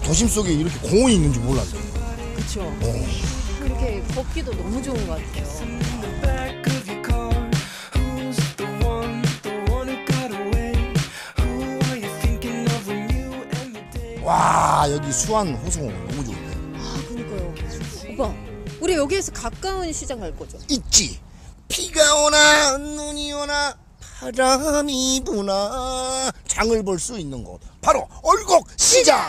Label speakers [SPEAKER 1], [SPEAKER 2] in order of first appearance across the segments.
[SPEAKER 1] 도심 속에 이렇게 공원이 있는 줄 몰랐어요.
[SPEAKER 2] 그렇죠. 이렇게 걷기도 너무 좋은 것 같아요.
[SPEAKER 1] 와, 여기 수안 호수공원 너무 좋은데.
[SPEAKER 2] 아, 그러니까요. 오빠, 우리 여기에서 가까운 시장 갈 거죠?
[SPEAKER 1] 있지. 비가 오나 눈이 오나 바람이 부나 장을 볼 수 있는 곳 바로 얼곡 시장.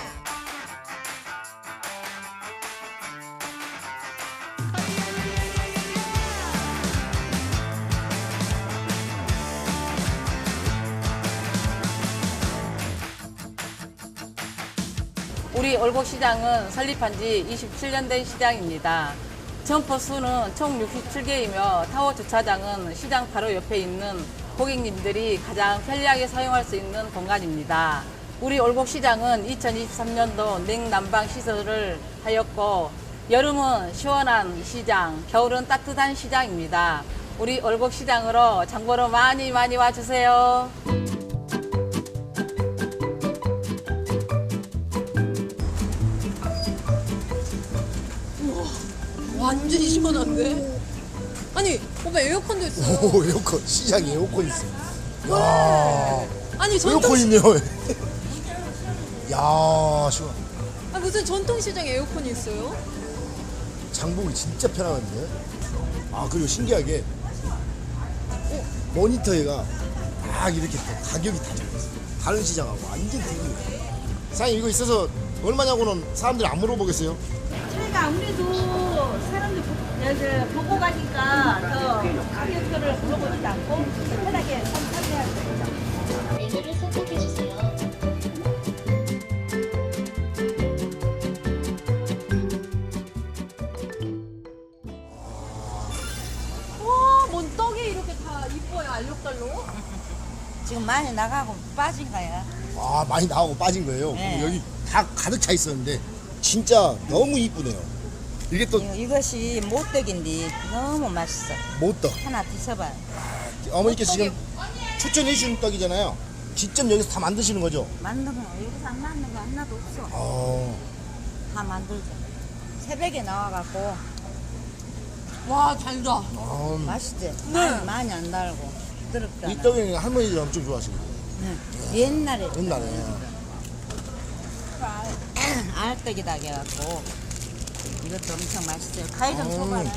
[SPEAKER 3] 우리 얼곡시장은 설립한 지 27년 된 시장입니다. 점포 수는 총 67개이며 타워 주차장은 시장 바로 옆에 있는 고객님들이 가장 편리하게 사용할 수 있는 공간입니다. 우리 얼곡시장은 2023년도 냉난방 시설을 하였고 여름은 시원한 시장, 겨울은 따뜻한 시장입니다. 우리 얼곡시장으로 장보러 많이 와주세요.
[SPEAKER 2] 완전히 시원한데? 아니, 오빠 에어컨도 있어요.
[SPEAKER 1] 오, 에어컨. 시장에 에어컨 있어. 야,
[SPEAKER 2] 아니,
[SPEAKER 1] 에어컨 있네요. 야, 시원.
[SPEAKER 2] 아, 무슨 전통시장에 에어컨이 있어요?
[SPEAKER 1] 장보기 진짜 편하는데. 아, 그리고 신기하게 모니터에가 딱 이렇게 또 가격이 다 적혀있어. 다른 시장하고 완전 틀리네. 사장님, 이거 있어서 얼마냐고는 사람들이 안 물어보겠어요?
[SPEAKER 4] 저희가 아무래도 사람들 보고 가니까 더 가격표를 물어보지도 않고 편하게 선택해야 돼요.
[SPEAKER 5] 메뉴를 선택해주세요.
[SPEAKER 2] 와, 뭔 떡이 이렇게 다 이뻐요, 알록달록.
[SPEAKER 4] 지금 많이 나가고 빠진 거야.
[SPEAKER 1] 아, 많이 나오고 빠진 거예요.
[SPEAKER 4] 네.
[SPEAKER 1] 그리고 여기 다 가득 차 있었는데 진짜 너무 이쁘네요. 이게 또
[SPEAKER 4] 이것이 못떡인데 너무 맛있어.
[SPEAKER 1] 못떡.
[SPEAKER 4] 하나 드셔봐요.
[SPEAKER 1] 어머니께서 지금 추천해 주신 떡이잖아요. 직접 여기서 다 만드시는 거죠?
[SPEAKER 4] 만든 거 여기서 안 만든 거 하나도 없어. 다 만들죠. 새벽에 나와갖고
[SPEAKER 2] 와, 달다.
[SPEAKER 4] 맛있지.
[SPEAKER 2] 네.
[SPEAKER 4] 많이 안 달고 부드럽다.
[SPEAKER 1] 이 떡이 할머니들 엄청 좋아하시거든요.
[SPEAKER 4] 네. 옛날에
[SPEAKER 1] 옛날에.
[SPEAKER 4] 알떡이다 해갖고 이것도 엄청 맛있어요. 가위 좀 줘봐라.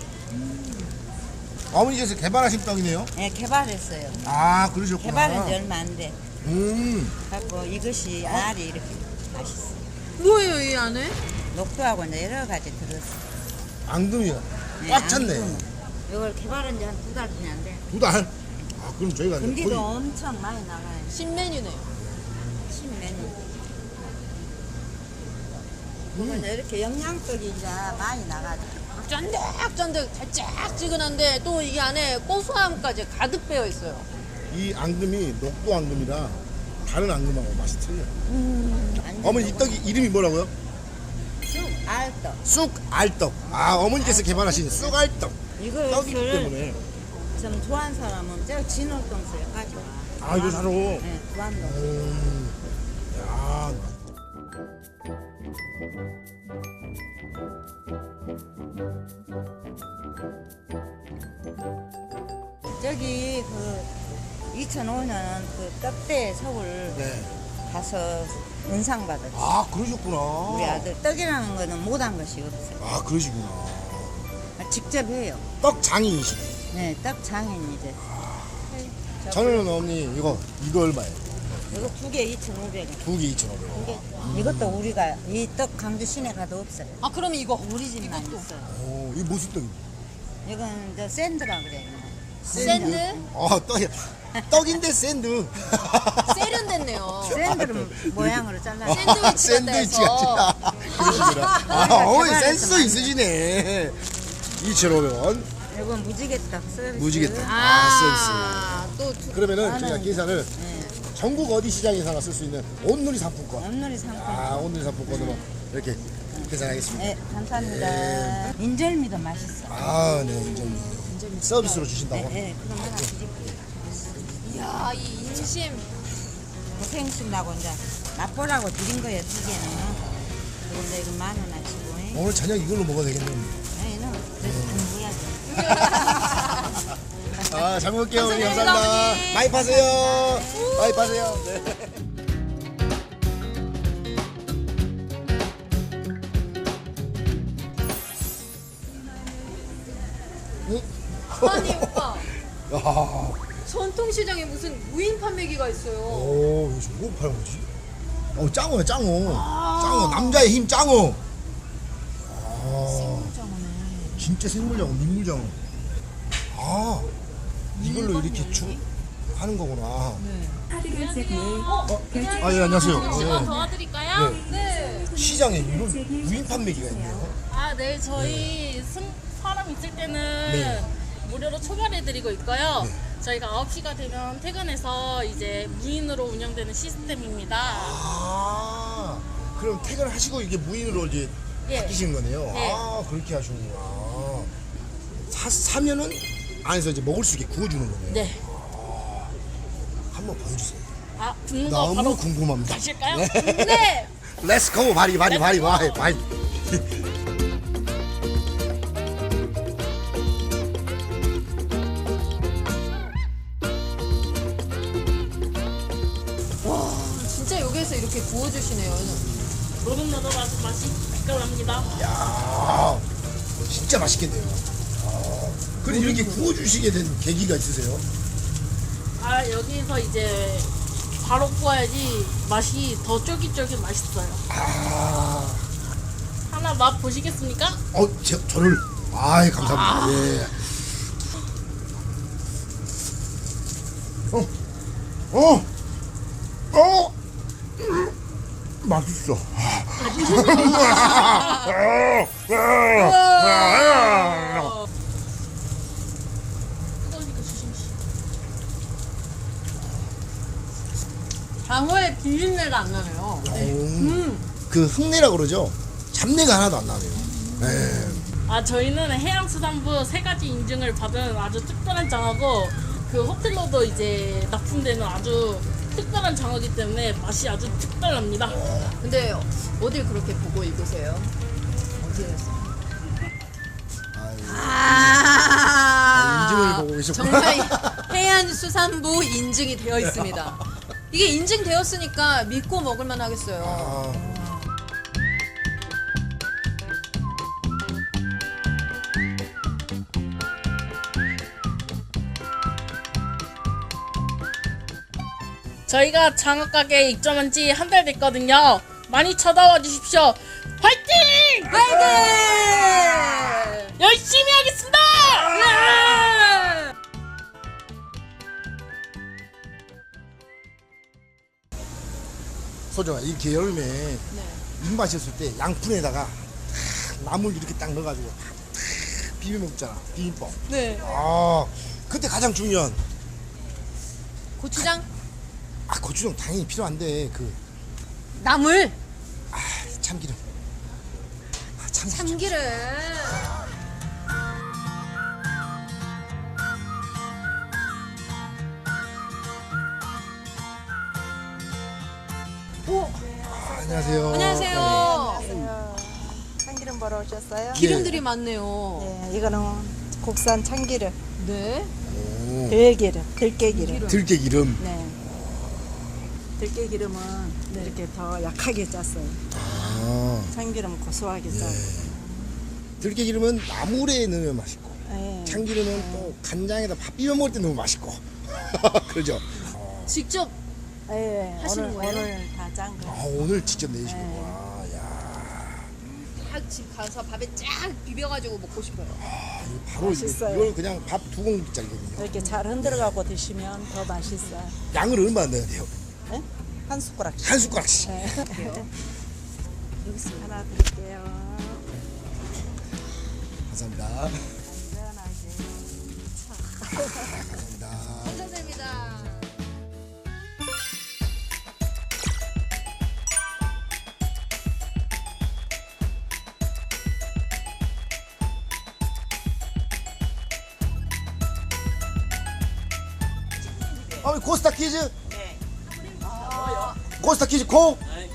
[SPEAKER 1] 어머니께서 개발하신 떡이네요.
[SPEAKER 4] 네, 개발했어요.
[SPEAKER 1] 아, 그러셨구나.
[SPEAKER 4] 개발한 지 얼마 안 돼.
[SPEAKER 1] 어?
[SPEAKER 4] 그래서 이것이 알이 이렇게 맛있어.
[SPEAKER 2] 뭐예요, 이 안에?
[SPEAKER 4] 녹두하고 이제 여러 가지 들었어.
[SPEAKER 1] 앙금이야.
[SPEAKER 4] 네,
[SPEAKER 1] 꽉 찼네.
[SPEAKER 4] 앙금. 이걸 개발한 지 한 2달 전에 안 돼.
[SPEAKER 1] 2달? 아, 그럼 저희가 이제
[SPEAKER 4] 금기도
[SPEAKER 1] 거의
[SPEAKER 4] 엄청 많이 나가요.
[SPEAKER 2] 신메뉴네요.
[SPEAKER 4] 신메뉴. 보면 이렇게 영양떡이 이제 많이 나가죠.
[SPEAKER 2] 쫀득쫀득 달짝지근한데 또 이 안에 고소함까지 가득 배어 있어요.
[SPEAKER 1] 이 앙금이 녹두 앙금이라 다른 앙금하고 맛이 틀려요. 어머니 이 떡이 이름이 뭐라고요?
[SPEAKER 4] 알떡.
[SPEAKER 1] 쑥알떡. 아, 어머니께서 개발하신 쑥알떡. 떡이기
[SPEAKER 4] 이거를
[SPEAKER 1] 때문에.
[SPEAKER 4] 좀 좋아하는 사람은 저 진월동서 여기까지 와.
[SPEAKER 1] 아, 이거 사러.
[SPEAKER 4] 네, 두안동.
[SPEAKER 1] 야,
[SPEAKER 4] 저기 그 2005년 그 떡대 서울
[SPEAKER 1] 네.
[SPEAKER 4] 가서 은상 받았지.
[SPEAKER 1] 아, 그러셨구나.
[SPEAKER 4] 우리 아들 떡이라는 거는 못한 것이 없어요.
[SPEAKER 1] 아, 그러시구나.
[SPEAKER 4] 직접 해요.
[SPEAKER 1] 떡 장인이시네.
[SPEAKER 4] 네, 떡 장인 이제.
[SPEAKER 1] 저는 어머니 이거 얼마예요?
[SPEAKER 4] 이거 두 개 2,500원.
[SPEAKER 1] 두 개 2,500원.
[SPEAKER 4] 이것도 우리가 이 떡 강주 시내 가도 없어요.
[SPEAKER 2] 아, 그럼 이거.
[SPEAKER 4] 우리 집만 있어요.
[SPEAKER 1] 오, 이게 무슨 떡이에요?
[SPEAKER 4] 이건 저 샌드라 그래요.
[SPEAKER 2] 샌드?
[SPEAKER 1] 떡인데 샌드.
[SPEAKER 2] 세련됐네요.
[SPEAKER 4] 샌드를 모양으로 잘라.
[SPEAKER 2] 샌드위치가 돼서.
[SPEAKER 1] 그러시구나. 아, 어머니 센스 있으시네. 2,500원.
[SPEAKER 4] 이건 무지개 떡 서비스.
[SPEAKER 1] 무지개 떡.
[SPEAKER 2] 아, 또
[SPEAKER 1] 그러면은
[SPEAKER 4] 나는-
[SPEAKER 1] 저희가 계산을
[SPEAKER 4] 네.
[SPEAKER 1] 전국 어디 시장에서나 쓸 수 있는 온누리 상품권.
[SPEAKER 4] 온누리 상품.
[SPEAKER 1] 아, 온누리 상품권으로 이렇게 계산하겠습니다.
[SPEAKER 4] 네, 감사합니다. 인절미도 맛있어.
[SPEAKER 1] 아, 네, 인절미. 서비스로 주신다고?
[SPEAKER 4] 네, 그럼 하나 드릴게요.
[SPEAKER 2] 이야, 이 인심.
[SPEAKER 4] 고생신다고 이제 맛보라고 드린 거예요, 두 개는. 좋은데 이거 10,000원 하시고.
[SPEAKER 1] 오늘 저녁 이걸로 먹어야 되겠네요.
[SPEAKER 4] 아니는 그래서 공부해야지.
[SPEAKER 1] 아, 잘 먹을게요. 어머니.
[SPEAKER 2] 감사합니다,
[SPEAKER 1] 감사합니다.
[SPEAKER 2] 어머니.
[SPEAKER 1] 많이 파세요. 많이 파세요. 네.
[SPEAKER 2] 아니 오빠
[SPEAKER 1] 야,
[SPEAKER 2] 전통시장에 무슨 무인 판매기가 있어요.
[SPEAKER 1] 오, 이거 뭐 파는 거지? 짱어야, 짱어. 짱어, 남자의 힘, 짱어. 진짜 생물장어, 민물장어. 아, 이걸로 이렇게 하는 거구나. 아, 예, 안녕하세요.
[SPEAKER 5] 제가
[SPEAKER 1] 예.
[SPEAKER 5] 도와드릴까요?
[SPEAKER 1] 네. 시장에 이런 무인 판매기가 있네요.
[SPEAKER 5] 아, 네. 저희 사람 있을 때는
[SPEAKER 1] 네.
[SPEAKER 5] 무료로 초발해드리고 있고요.
[SPEAKER 1] 네.
[SPEAKER 5] 저희가 9시가 되면 퇴근해서 이제 무인으로 운영되는 시스템입니다.
[SPEAKER 1] 아, 그럼 퇴근하시고 이게 무인으로 이제
[SPEAKER 5] 예.
[SPEAKER 1] 바뀌신 거네요.
[SPEAKER 5] 네.
[SPEAKER 1] 아, 그렇게 하시는구나. 사면은 안에서 이제 먹을 수 있게 구워주는 거네요.
[SPEAKER 5] 네.
[SPEAKER 1] 한번 보여주세요.
[SPEAKER 5] 아, 굽는 거
[SPEAKER 1] 너무
[SPEAKER 5] 바로
[SPEAKER 1] 궁금합니다.
[SPEAKER 5] 가실까요?
[SPEAKER 1] 네.
[SPEAKER 5] 네.
[SPEAKER 1] Let's go, 바리.
[SPEAKER 2] 진짜 여기에서 이렇게 구워주시네요.
[SPEAKER 5] 노릇노릇하고 맛이 기깔납니다.
[SPEAKER 1] 야, 진짜 맛있겠네요. 그럼 이렇게 구워주시게 된 계기가 있으세요?
[SPEAKER 5] 아, 여기서 이제 바로 구워야지 맛이 더 쫄깃쫄깃 맛있어요.
[SPEAKER 1] 아,
[SPEAKER 5] 하나 맛 보시겠습니까?
[SPEAKER 1] 저를. 아이, 감사합니다. 예. 맛있어.
[SPEAKER 5] 뜨거우니까 조심히.
[SPEAKER 2] 장어의 비린내가 안 나네요.
[SPEAKER 1] 그 흙내라고 그러죠? 잡내가 하나도 안 나네요. 네.
[SPEAKER 5] 아, 저희는 해양수산부 3가지 인증을 받은 아주 특별한 장어고, 그 호텔로도 이제 납품되는 아주 특별한 장어이기 때문에 맛이 아주 특별합니다.
[SPEAKER 2] 근데 어딜 그렇게 보고 읽으세요? 어디에서?
[SPEAKER 1] 인증을 보고 계셨구나.
[SPEAKER 2] 정말 해안수산부 인증이 되어 있습니다. 이게 인증되었으니까 믿고 먹을만 하겠어요.
[SPEAKER 1] 아,
[SPEAKER 5] 저희가 장어 가게에 입점한 지 한 달 됐거든요. 많이 찾아와 주십시오. 화이팅!
[SPEAKER 2] 화이팅!
[SPEAKER 5] 열심히 하겠습니다!
[SPEAKER 1] 소정아, 이렇게 여름에
[SPEAKER 2] 네.
[SPEAKER 1] 입맛이 없을 때 양푼에다가 나물 이렇게 딱 넣어가지고 비벼 먹잖아. 비빔밥.
[SPEAKER 2] 네.
[SPEAKER 1] 아, 그때 가장 중요한
[SPEAKER 2] 고추장,
[SPEAKER 1] 고추장 당연히 필요한데
[SPEAKER 2] 나물,
[SPEAKER 1] 참기름.
[SPEAKER 2] 참기름.
[SPEAKER 1] 안녕하세요.
[SPEAKER 2] 안녕하세요.
[SPEAKER 4] 참기름 보러 오셨어요?
[SPEAKER 2] 기름들이 많네요.
[SPEAKER 4] 네, 이거는 국산 참기름,
[SPEAKER 2] 네.
[SPEAKER 1] 오,
[SPEAKER 4] 들기름, 들깨기름.
[SPEAKER 1] 들깨기름.
[SPEAKER 4] 네. 들깨기름은 이렇게 더 약하게 짰어요.
[SPEAKER 1] 아,
[SPEAKER 4] 참기름은 고소하게 짜요.
[SPEAKER 1] 들깨기름은 나물에 넣으면 맛있고,
[SPEAKER 4] 네.
[SPEAKER 1] 참기름은 또 간장에다 밥 비벼 먹을 때 넣으면 맛있고. 그러죠?
[SPEAKER 2] 직접
[SPEAKER 4] 네,
[SPEAKER 2] 하시는 거예요?
[SPEAKER 4] 오늘 다 짠 거.
[SPEAKER 1] 오늘 직접 내시구나. 야,
[SPEAKER 2] 딱 집 가서 밥에 쫙 비벼가지고 먹고 싶어요.
[SPEAKER 1] 이거 바로
[SPEAKER 4] 맛있어요.
[SPEAKER 1] 이걸 그냥 밥 2공기짜리거든요.
[SPEAKER 4] 이렇게 잘 흔들어가고 드시면 더 맛있어요.
[SPEAKER 1] 양을 얼마나 넣어야 돼요?
[SPEAKER 4] 네? 한 숟가락씩.
[SPEAKER 1] 한 숟가락씩.
[SPEAKER 4] 네. 하나 드릴게요.
[SPEAKER 1] 감사합니다.
[SPEAKER 4] 시원하게.
[SPEAKER 1] 감사합니다.
[SPEAKER 2] 감사드립니다.
[SPEAKER 1] 고스타 퀴즈? 고스타 퀴즈 고?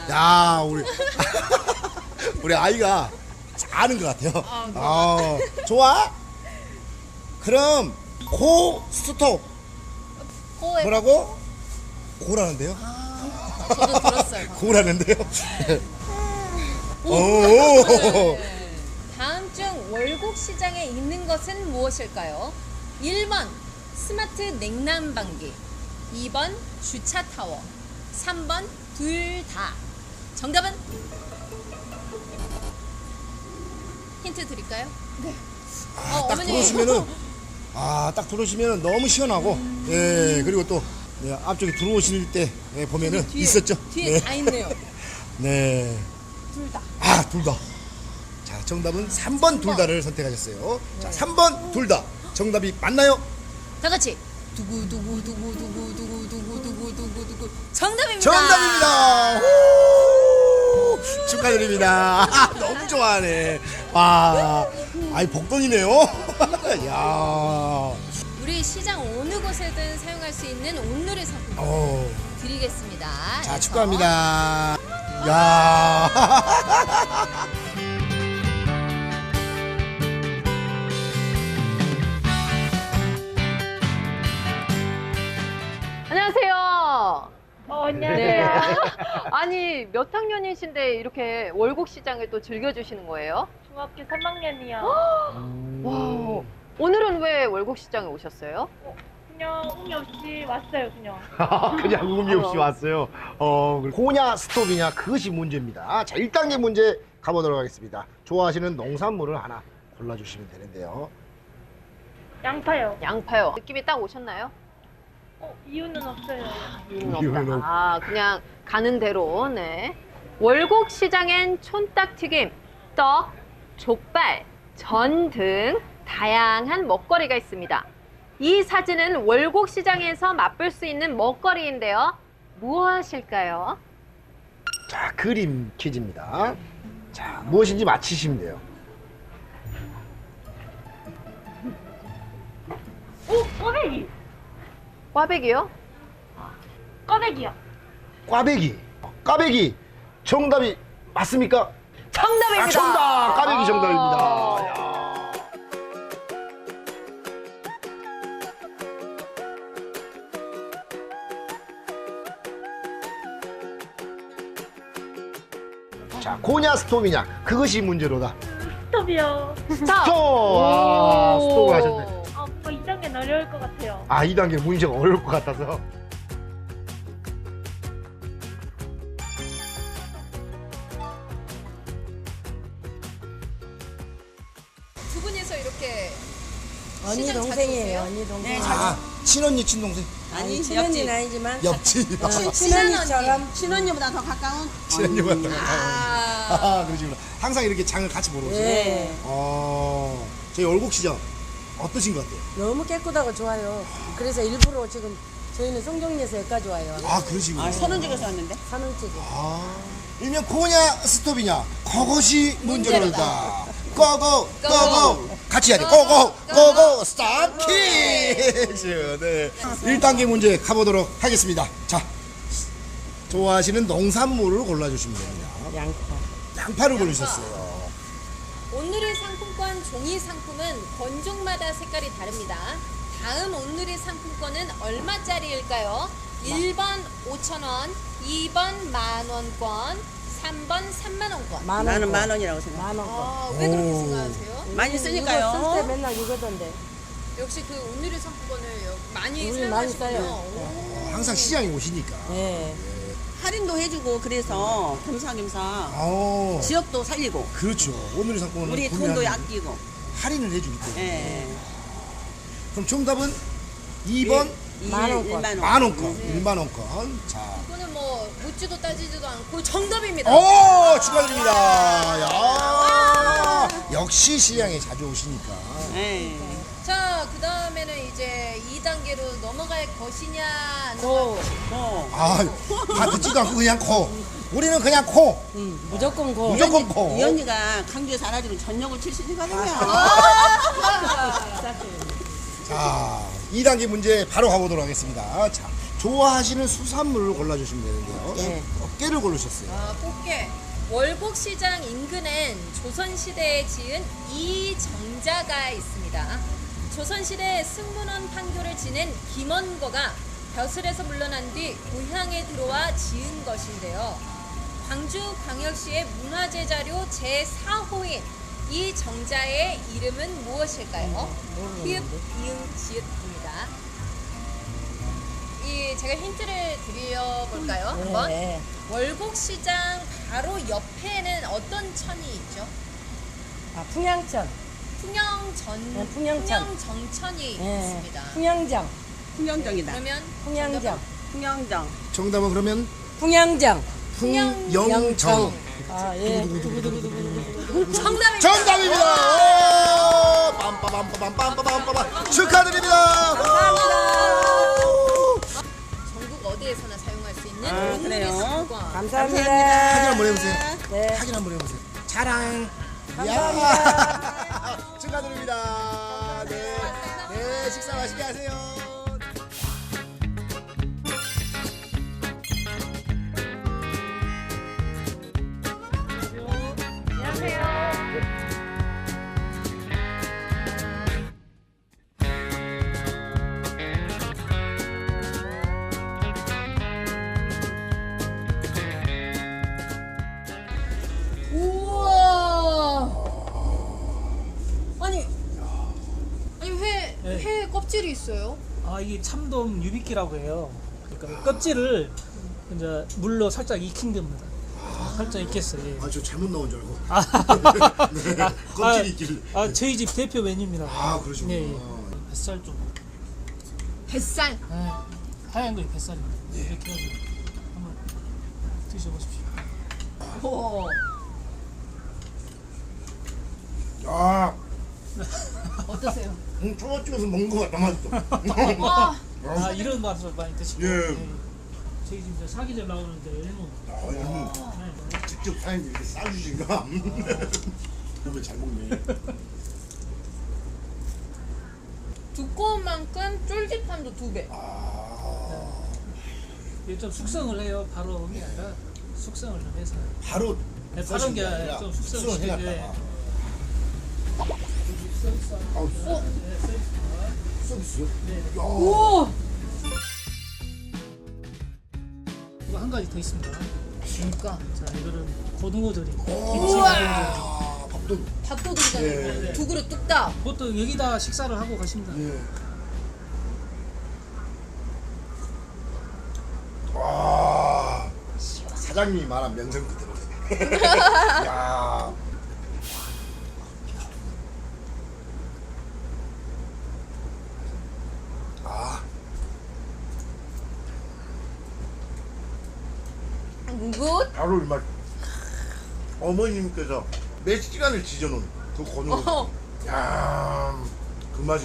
[SPEAKER 1] 야, 우리 아이가 아는 것 같아요. 좋아? 그럼 고 스톱.
[SPEAKER 2] 고에
[SPEAKER 1] 뭐라고? 고라는데요?
[SPEAKER 2] 저도 들었어요.
[SPEAKER 1] 고라는데요? 오.
[SPEAKER 2] 네. 다음 중 월곡 시장에 있는 것은 무엇일까요? 1번 스마트 냉난방기, 2번 주차 타워, 3번 둘 다. 정답은? 힌트 드릴까요? 네.
[SPEAKER 1] 딱 들어오시면은 딱 들어오시면은 너무 시원하고 예 그리고 또 예, 앞쪽에 들어오실 때 예, 보면은 있었죠.
[SPEAKER 2] 뒤에
[SPEAKER 1] 네.
[SPEAKER 2] 다 있네요.
[SPEAKER 1] 네.
[SPEAKER 2] 둘 다.
[SPEAKER 1] 둘 다. 자, 정답은 3번 둘 다를 선택하셨어요. 자, 3번 둘 다. 정답이 맞나요?
[SPEAKER 2] 다 같이 두구두구두구두구두구두구두구두구 정답입니다.
[SPEAKER 1] 정답입니다. 후! 축하드립니다. 너무 좋아하네. 와, 아이 복don이네요. 야.
[SPEAKER 2] 우리 시장 어느 곳에든 사용할 수 있는 온누리 상품권 드리겠습니다.
[SPEAKER 1] 자,
[SPEAKER 2] 그래서
[SPEAKER 1] 축하합니다. 야.
[SPEAKER 2] 안녕하세요.
[SPEAKER 6] 안녕하세요.
[SPEAKER 2] 네. 아니 몇 학년이신데 이렇게 월곡 시장을 또 즐겨주시는 거예요?
[SPEAKER 6] 중학교 3학년이요.
[SPEAKER 2] 와. 오늘은 왜 월곡 시장에 오셨어요?
[SPEAKER 6] 그냥 의미 없이 왔어요, 그냥.
[SPEAKER 1] 그냥 의미 없이 왔어요. 고냐 스톱이냐 그것이 문제입니다. 자, 1단계 문제 가보도록 하겠습니다. 좋아하시는 농산물을 하나 골라주시면 되는데요.
[SPEAKER 6] 양파요.
[SPEAKER 2] 양파요. 느낌이 딱 오셨나요?
[SPEAKER 6] 이유는 없어요.
[SPEAKER 1] 이유는
[SPEAKER 2] 없다. 그냥 가는 대로. 네. 월곡 시장엔 촌딱튀김, 떡, 족발, 전 등 다양한 먹거리가 있습니다. 이 사진은 월곡 시장에서 맛볼 수 있는 먹거리인데요. 무엇일까요?
[SPEAKER 1] 자, 그림 퀴즈입니다. 자, 무엇인지 맞히시면 돼요.
[SPEAKER 6] 꽈배기.
[SPEAKER 2] 꽈배기요?
[SPEAKER 6] 꽈배기요.
[SPEAKER 1] 꽈배기. 꽈배기. 정답이 맞습니까?
[SPEAKER 2] 정답입니다.
[SPEAKER 1] 정답. 꽈배기 정답입니다. 야. 자, 고냐 스톱이냐 그것이 문제로다.
[SPEAKER 6] 스톱이요.
[SPEAKER 2] 스톱.
[SPEAKER 1] 스톱을 하셨네.
[SPEAKER 6] 뭔가 2단계는 어려울 것 같아요.
[SPEAKER 1] 2단계 문제가 어려울 것 같아서.
[SPEAKER 2] 두 분이서 이렇게
[SPEAKER 7] 언니
[SPEAKER 2] 시장 자주
[SPEAKER 7] 동생이에요.
[SPEAKER 2] 오세요?
[SPEAKER 7] 언니 동생.
[SPEAKER 1] 친언니 친동생
[SPEAKER 7] 아니 친언니는 아니지만
[SPEAKER 1] 옆집
[SPEAKER 7] 친언니처럼 친언니보다 더 가까운.
[SPEAKER 1] 친언니보다 그러시구나. 항상 이렇게 장을 같이 보러 오세요.
[SPEAKER 7] 네.
[SPEAKER 1] 저희 월곡시장 어떠신 것 같아요?
[SPEAKER 7] 너무 깨끗하고 좋아요. 그래서 일부러 지금 저희는 송정리에서 여기까지 와요.
[SPEAKER 1] 그러시구나.
[SPEAKER 4] 선원직에서 왔는데?
[SPEAKER 7] 산원집에.
[SPEAKER 1] 일명 고냐 스톱이냐 그것이 문제로다. 고고 고고 같이 해야 돼. 고고 고고 스톱 퀴즈. 네. 1단계 문제 가보도록 하겠습니다. 자, 좋아하시는 농산물을 골라주시면 됩니다. 양파를 고르셨어요.
[SPEAKER 2] 온누리 상품권 종이 상품은 건종마다 색깔이 다릅니다. 다음 온누리 상품권은 얼마짜리일까요? 1번 5,000원, 2번 만원권, 3번 3만원권.
[SPEAKER 4] 나는 만 원이라고 생각해.
[SPEAKER 7] 만원권.
[SPEAKER 2] 왜 그렇게 생각하세요?
[SPEAKER 4] 많이
[SPEAKER 7] 이거
[SPEAKER 4] 쓰니까요.
[SPEAKER 7] 쓸 때 맨날 이거던데.
[SPEAKER 2] 역시 그 온누리 상품권을 많이
[SPEAKER 7] 우리 많이
[SPEAKER 2] 사용하시군요.
[SPEAKER 7] 써요.
[SPEAKER 2] 오.
[SPEAKER 1] 항상 시장에 오시니까.
[SPEAKER 7] 네.
[SPEAKER 4] 할인도 해주고 그래서 겸사겸사 지역도 살리고
[SPEAKER 1] 그렇죠. 오늘의 상품은
[SPEAKER 4] 우리 돈도 아끼고.
[SPEAKER 1] 할인을 해주기 때문에.
[SPEAKER 4] 예.
[SPEAKER 1] 그럼 정답은 2번
[SPEAKER 7] 만원권.
[SPEAKER 1] 1만원권. 1만원권. 자.
[SPEAKER 2] 이거는 뭐 묻지도 따지지도 않고 정답입니다.
[SPEAKER 1] 오, 축하드립니다. 야, 역시 시장에 자주 오시니까.
[SPEAKER 4] 예.
[SPEAKER 2] 자, 그 다음에는 이제 2단계로 넘어갈 것이냐, 안
[SPEAKER 7] 고.
[SPEAKER 1] 다 듣지도 않고 그냥 코. 우리는 그냥 코.
[SPEAKER 7] 무조건 고.
[SPEAKER 1] 무조건 코.
[SPEAKER 4] 이 언니가 강주에 살아주는 전역을 출신이거든요.
[SPEAKER 1] 자, 2단계 문제 바로 가보도록 하겠습니다. 자, 좋아하시는 수산물을 골라주시면 되는데요.
[SPEAKER 7] 네.
[SPEAKER 1] 어깨를 고르셨어요.
[SPEAKER 2] 아, 꽃게. 월곡시장 인근엔 조선시대에 지은 이정자가 있습니다. 조선시대 승문원 판교를 지낸 김원거가 벼슬에서 물러난 뒤 고향에 들어와 지은 것인데요. 광주광역시의 문화재 자료 제4호인 이 정자의 이름은 무엇일까요? 히읗, 이응, 지읒입니다. 제가 힌트를 드려볼까요? 한번.
[SPEAKER 7] 네.
[SPEAKER 2] 월곡시장 바로 옆에는 어떤 천이 있죠?
[SPEAKER 7] 아, 풍양천.
[SPEAKER 2] 풍영전,
[SPEAKER 7] 풍영천.
[SPEAKER 2] 풍영정천이
[SPEAKER 7] 네.
[SPEAKER 2] 있습니다.
[SPEAKER 7] 풍양장.
[SPEAKER 8] 풍경장이다.
[SPEAKER 2] 그러면
[SPEAKER 7] 풍양장.
[SPEAKER 8] 풍경장.
[SPEAKER 1] 정답은 그러면
[SPEAKER 7] 풍양장.
[SPEAKER 1] 풍영정.
[SPEAKER 7] 아, 예.
[SPEAKER 2] 정답입니다.
[SPEAKER 1] 정답입니다. 오! 빰빠밤빠밤빰빠밤빠밤 축하드립니다.
[SPEAKER 2] 전국 어디에서나 사용할 수 있는
[SPEAKER 7] 아,
[SPEAKER 2] 온누리
[SPEAKER 8] 그래요?
[SPEAKER 2] 상품권.
[SPEAKER 7] 감사합니다.
[SPEAKER 1] 확인 한번 해보세요.
[SPEAKER 7] 네.
[SPEAKER 1] 확인 한번 해보세요. 자랑.
[SPEAKER 7] 감사합니다.
[SPEAKER 1] 야. 축하드립니다. 네. 네, 식사 맛있게 하세요.
[SPEAKER 2] 우와. 아니 회 껍질이 있어요?
[SPEAKER 9] 아 이게 참돔 유비끼라고 해요. 그러니까 껍질을 이제 물로 살짝 익힌 겁니다. 살짝 익혔어요. 예.
[SPEAKER 1] 아, 저 잘못 나온 줄 알고.
[SPEAKER 9] 아,
[SPEAKER 1] 네, 껍질이 있길래.
[SPEAKER 9] 저희 집 대표 메뉴입니다.
[SPEAKER 1] 아, 그러시구나.
[SPEAKER 9] 예, 예. 뱃살 좀.
[SPEAKER 2] 뱃살.
[SPEAKER 9] 예. 하얀 거 뱃살입니다. 이렇게 해가지고 한번 드셔보십시오.
[SPEAKER 2] 오.
[SPEAKER 1] 아,
[SPEAKER 2] 어떠세요?
[SPEAKER 1] 초밥 찍어서 먹는 거 같다, 맛있어.
[SPEAKER 2] 와.
[SPEAKER 9] 아 이런 맛으로 많이 드시고.
[SPEAKER 1] 예.
[SPEAKER 9] 저희 집 이제 사기절 나오는데 일본. 네.
[SPEAKER 1] 직접 사장님 이렇게 싸주신가? 보면 잘 먹네.
[SPEAKER 2] 두꺼운 만큼 쫄깃함도 2배.
[SPEAKER 9] 이게 좀 숙성을 해요. 바로 오는 게 아니라 숙성을 좀 해서.
[SPEAKER 1] 바로
[SPEAKER 9] 네, 바로 게 아니라 좀 숙성을
[SPEAKER 1] 해놨다.
[SPEAKER 9] 시켜줘야.
[SPEAKER 1] 아우, 서비스요? 야.
[SPEAKER 2] 오.
[SPEAKER 9] 이거 한 가지 더 있습니다.
[SPEAKER 2] 그러니까
[SPEAKER 9] 자 이거는 고등어조림.
[SPEAKER 1] 우와. 밥도.
[SPEAKER 2] 밥도 들어가는 거. 2그릇 뚝딱.
[SPEAKER 9] 보통 여기다 식사를 하고 가십니다.
[SPEAKER 1] 예. 와. 사장님이 말한 명성 그대로네. 야.
[SPEAKER 2] 굿.
[SPEAKER 1] 바로 이 맛. 어머님께서 몇 시간을 지져놓은 그 고등어. 야, 그 맛이.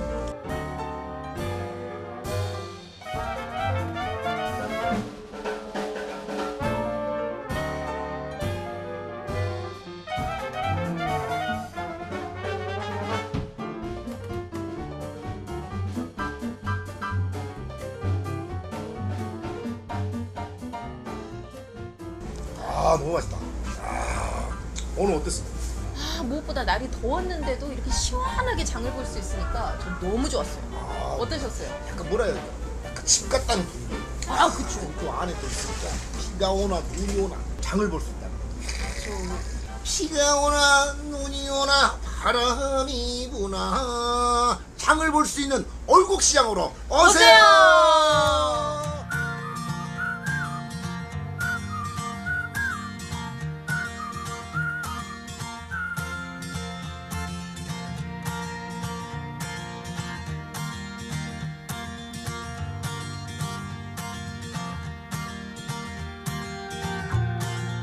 [SPEAKER 1] 아, 너무 맛있다. 아, 오늘 어땠어?
[SPEAKER 2] 무엇보다 날이 더웠는데도 이렇게 시원하게 장을 볼 수 있으니까 전 너무 좋았어요. 어떠셨어요?
[SPEAKER 1] 약간 뭐라 해야 될까? 약간 집 같다는 분위기.
[SPEAKER 2] 아, 그쵸.
[SPEAKER 1] 그 안에 또 있으니까 비가 오나 눈이 오나 장을 볼 수 있다는 거. 비가 오나 눈이 오나 바람이 부나 장을 볼 수 있는 월곡시장으로 오세요.